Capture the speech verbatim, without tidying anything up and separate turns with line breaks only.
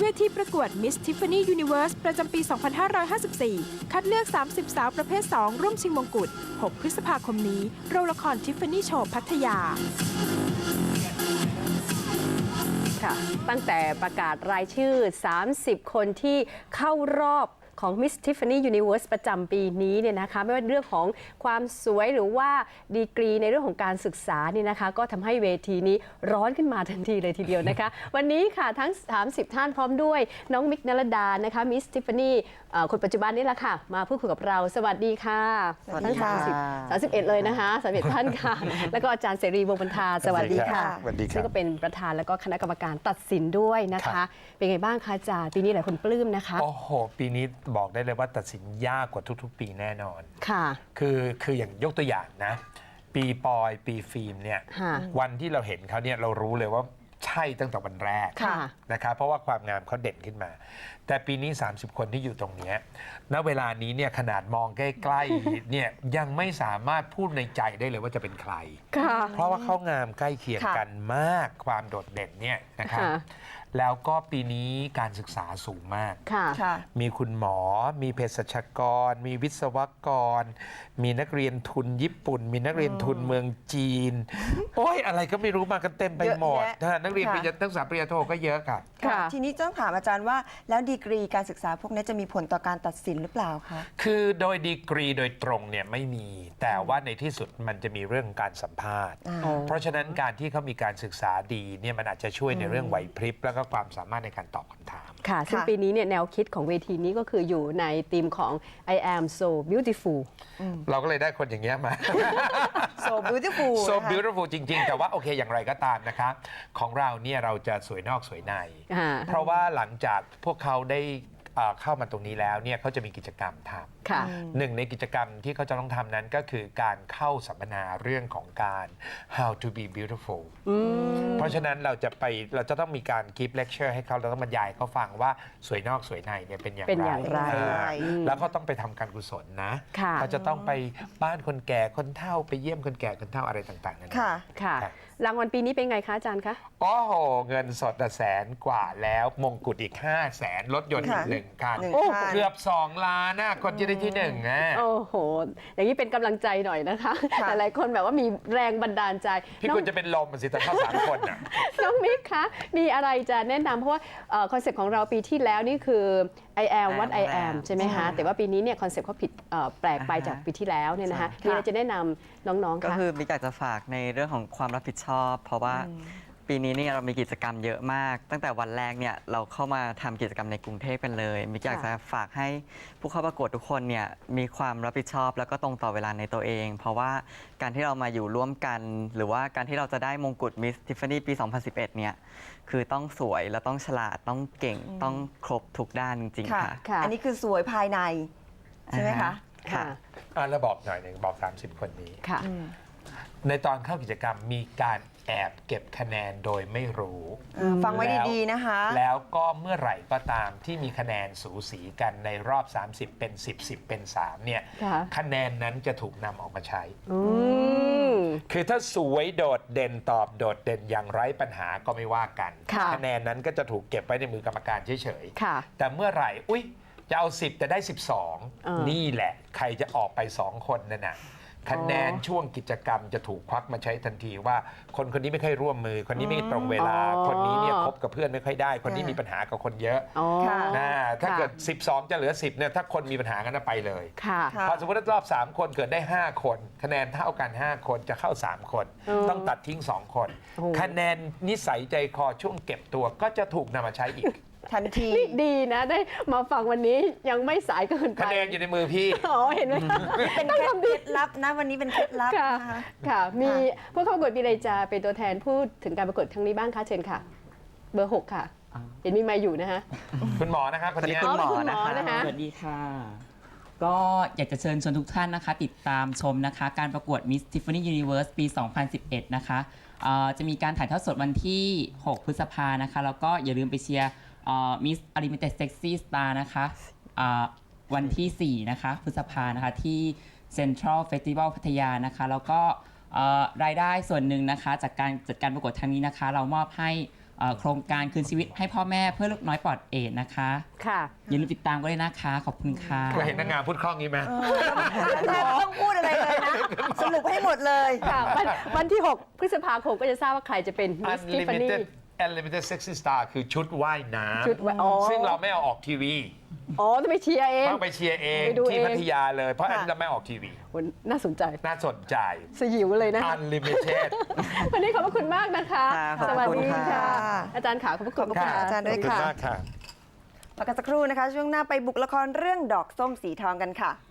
ทีประกวด Miss Tiffany Universe ประจำปี สองพันห้าร้อยห้าสิบสี่ คัดเลือก สามสิบ สาวประเภท สอง ร่วมชิงมงกุฎ หก พฤษภาคมนี้ โรงละคร Tiffany Show พัทยา
ค่ะตั้งแต่ประกาศรายชื่อ สามสิบ คนที่เข้ารอบของ Miss Tiffany Universe ประจำปีนี้เนี่ยนะคะไม่ว่าเรื่องของความสวยหรือว่าดีกรีในเรื่องของการศึกษานี่นะคะก็ทำให้เวทีนี้ร้อนขึ้นมาทันทีเลยทีเดียวนะคะ วันนี้ค่ะทั้ง สามสิบ ท่านพร้อมด้วยน้องมิกนรดานะคะ Miss Tiffany คนปัจจุบันนี่แหละค่ะมาพูดคุยกับเราสวัสดีค่ะทั้งสามสิบ สามสิบเอ็ดเลยนะคะสามสิบเอ็ดท่านค่ะแล้วก็อาจารย์เสรีวงศ์บรรทาสวัสดีค่ะซึ่งก็เป็นประธานแล้วก็คณะกรรมการตัดสินด้วยนะคะเป็นไงบ้างคะอาจารย์ปีนี้หลายคนปลื้มนะคะ
โอ้โหปีนี้บอกได้เลยว่าตัดสินยากกว่าทุกๆปีแน่นอน
ค่ะ
คือคืออย่างยกตัวอย่างนะปีปอยปีฟิล์มเนี่ยวันที่เราเห็นเขาเนี่ยเรารู้เลยว่าใช่ตั้งแต่วันแรกนะครับเพราะว่าความงามเขาเด่นขึ้นมาแต่ปีนี้สามสิบคนที่อยู่ตรงนี้ณเวลานี้เนี่ยขนาดมองใกล้ๆเนี่ยยังไม่สามารถพูดในใจได้เลยว่าจะเป็นใครเพราะว่าเขางามใกล้เคียงกันมากความโดดเด่นเนี่ยนะครับแล้วก็ปีนี้การศึกษาสูงมากมีคุณหมอมีเภสัชกรมีวิศวกรมีนักเรียนทุนญี่ปุ่นมีนักเรียนทุนเมืองจีนโอ้ยอะไรก็ไม่รู้มากันเต็มไปหมดนักเรียนปริญญานักศึกษาปริญญาโทก็เยอะค่ะ
ทีนี้ต้องถามอาจารย์ว่าแล้วดีกรีการศึกษาพวกนี้จะมีผลต่อการตัดสินหรือเปล่าคะ
คือโดยดีกรีโดยตรงเนี่ยไม่มีแต่ว่าในที่สุดมันจะมีเรื่องการสัมภาษณ์เพราะฉะนั้นการที่เขามีการศึกษาดีเนี่ยมันอาจจะช่วยในเรื่องไหวพริบแล้วก็ความสามารถในการตอบคำถาม
ค่ะซึ่งปีนี้เนี่ยแนวคิดของเวทีนี้ก็คืออยู่ในธีมของ I am so beautiful
เราก็เลยได้คนอย่างเงี้ยมา
so beautiful
so beautiful จริงๆแต่ว่าโอเคอย่างไรก็ตามนะคะของเราเนี่ยเราจะสวยนอกสวยในเพราะว่าหลังจากพวกเขาได้เข้ามาตรงนี้แล้วเนี่ยเขาจะมีกิจกรรมทำหนึ่งในกิจกรรมที่เขาจะต้องทำนั้นก็คือการเข้าสัมมนาเรื่องของการ how to be beautiful เพราะฉะนั้นเราจะไปเราจะต้องมีการ give lecture ให้เขาเราต้องบรรยายเขาฟังว่าสวยนอกสวยในเนี่ยเป็นอย่างไรเป็นอย่างไรแล้วก็ต้องไปทำการกุศลนะเขาจะต้องไปบ้านคนแก่คนเฒ่าไปเยี่ยมคนแก่คนเฒ่าอะไรต่างๆนั่น
ค่ะค่ะรางวัลปีนี้เป็นไงคะอาจารย์คะ
โอ้โหเงินสดแสนกว่าแล้วมงกุฎอีกห้าแสนรถยนต์อีกหนึ่งคันเกือบสองล้านนะคนที่ได้ที่หนึ่งอ่ะ
โอ้โหอย่างนี้เป็นกำลังใจหน่อยนะคะหลายคนแบบว่ามีแรงบันดาลใจ
พี่คุณจะเป็นลมสิแต่เข้าสามคนอ่ะ
น้องมิกคะมีอะไรจะแนะนำเพราะว่าคอนเซ็ปต์ของเราปีที่แล้วนี่คือ I am what I am ใช่ไหมคะแต่ว่าปีนี้เนี่ยคอนเซ็ปต์เขาผิดแปลกไปจากปีที่แล้วเนี่ยนะคะมีอะไรจะแนะนำน้องๆคะ
ก็คือมิกอยากจะฝากในเรื่องของความรับผิดชอบเพราะว่าปีนี้เนี่ยเรามีกิจกรรมเยอะมากตั้งแต่วันแรกเนี่ยเราเข้ามาทำกิจกรรมในกรุงเทพกันเลยมิกอยากจะฝากให้ผู้เข้าประกวดทุกคนเนี่ยมีความรับผิดชอบแล้วก็ตรงต่อเวลาในตัวเองเพราะว่าการที่เรามาอยู่ร่วมกันหรือว่าการที่เราจะได้มงกุฎ Miss Tiffany ปี สองพันสิบเอ็ด เนี่ยคือต้องสวยและต้องฉลาดต้องเก่งต้องครบทุกด้านจริงๆค่ะ
อันนี้คือสวยภายในใช่ไหมคะ
ค่ะแล้วบอกหน่อยหนึ่งบอกสามสิบคนนี้ในตอนเข้ากิจกรรมมีการแอบเก็บคะแนนโดยไม่รู้
ฟังไว้ดีๆนะคะ
แล้วก็เมื่อไหร่ก็ตามที่มีคะแนนสูสีกันในรอบสามสิบเป็นสิบ สิบเป็นสามเนี่ยคะแนนนั้นจะถูกนำออกมาใช้คือถ้าสวยโดดเด่นตอบโดดเด่นอย่างไร้ปัญหาก็ไม่ว่ากันคะแนนนั้นก็จะถูกเก็บไว้ในมือกรรมการเฉยๆแต่เมื่อไหร่อุ๊ยจะเอาสิบแต่ได้สิบสองนี่แหละใครจะออกไปสองคนนั่นน่ะคะแนนช่วงกิจกรรมจะถูกควักมาใช้ทันทีว่าคนคนนี้ไม่ค่อยร่วมมือคนนี้ไม่ตรงเวลาคนนี้เนี่ยคบกับเพื่อนไม่ค่อยได้คนนี้มีปัญหากับคนเยอะนะถ้าเกิดสิบสองจะเหลือสิบเนี่ยถ้าคนมีปัญหากันไปเลยพอสมมติว่ารอบสามคนเกิดได้ห้าคนคะแนนเท่ากันห้าคนจะเข้าสามคนต้องตัดทิ้งสองคนคะแนนนิสัยใจคอช่วงเก็บตัวก็จะถูกนำมาใช้อีก
ทันที
นี่ดีนะได้มาฟังวันนี้ยังไม่สายเกินไป
คะแนนอยู่ในมือพี่
อ๋อเห็นไหม
เป็นเคล็ดลับนะวันนี้เป็นเคล็ดลับ
นะคะค่ะมีผู้เข้าประกวดมีอะไรจะเป็นตัวแทนพูดถึงการประกวดครั้งนี้บ้างคะเชิญค่ะเบอร์หกค่ะเห็นมีไมค์อยู่นะคะ
คุณหมอนะคะคนนี้
คุณหมอนะคะ
สวัสดีค่ะก็อยากจะเชิญชวนทุกท่านนะคะติดตามชมนะคะการประกวด Miss Tiffany Universe ปี สองพันสิบเอ็ด นะคะจะมีการถ่ายทอดสดวันที่หกพฤษภานะคะแล้วก็อย่าลืมไปเชียร์Miss Unlimited Sexy Star นะคะวันที่สี่นะคะพฤษภานะคะที่ Central Festival พัทยานะคะแล้วก็รายได้ส่วนหนึ่งนะคะจากการจัดการประกวดครั้งนี้นะคะเรามอบให้เอ่อโครงการคืนชีวิตให้พ่อแม่เพื่อลูกน้อยปลอดเอดส์นะคะ
ค่ะ
อย่าลืมติดตามกันเลยนะคะ ขอบคุณค่ะ
เคยเห็นนางงามพูดคล่องนี้ไหม
แทบไม่ต้องพูดอะไรเลยนะ สรุปให้หมดเลย
ค่ะวันวันที่ หก พฤษภาคมก็จะทราบว่าใครจะเป็นมิสทิฟฟานี่
Unlimited Unlimited Sexy Star คือชุดว่ายน้
ชุดว่ายอ๋อ
ำซึ่งเราไม่เอาออกทีวี
อ๋อต้องไปเชียร์เอง
ต้องไปเชียร์เอง
ไปดู
ที่
เอง
พัทยาเลย เพราะอันนี้
ค่ะ
เราไม่ออกทีวี
วันน่าสนใจ
น่าสนใจ
สยิวเลยนะ
Unlimited
วันนี้ขอบพระคุณมากนะคะ
ค่ะขอบ
ส
พ
วั
ระ
ส
คุณ
ดี
ค่ะ
ค่ะ อาจารย์ขาขอบพระคุณ
ขอบคุณค่ะ
มาก
อาจารย์ด้วย
ขอบคุณ
ค่ะ
มากค่ะ
พักกันสักครู่นะคะ ช่วงหน้าไปบุกละครเรื่องดอกส้มสีทองกันค่ะ